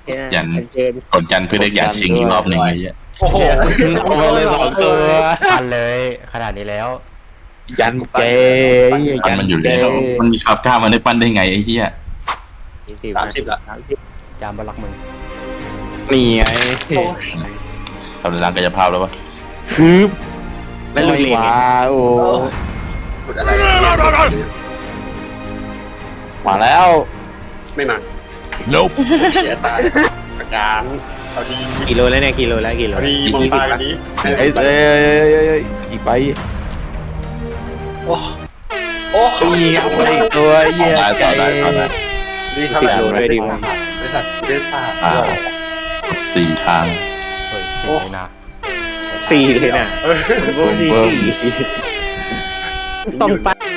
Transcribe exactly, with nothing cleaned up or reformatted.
ยันเกินกดยันเพื่อเรียกอยากชิงอีกรอบหนึ่งไอ้เหี้ยโอ้โหเอาไปเลยสองตัวทันเลยขนาดนี้แล้วยันเกย์ปั้นมันอยู่แล้วมันมีคาบกล้ามันได้ปั้นได้ไงไอ้เหี้ยสามสิบละสามสิบจามบลักมึงนี่ไงทำในร่างกายภาพแล้ววะคืบไม่เลยมาโอ้กดอะไรมาแล้วไม่มา Nope เสียตายอาจารย์เอาดีกิโลแล้วเนี่ยกิโลแล้วกิโลเอาดีมองตากันนี้เอ้ยเอ้ยอีกไปโอ้โอ้ตีเอาไปอีกตัวเยี่ยต่อได้ต่อได้ดีเท่าไหร่ได้ศาสตร์ได้ศาสตร์ได้ศาสตร์อ่าสี่ทางเฮ้ยสี่เลยนะสี่เลยนะเออโอ้ยสี่เบิ่มต้องไป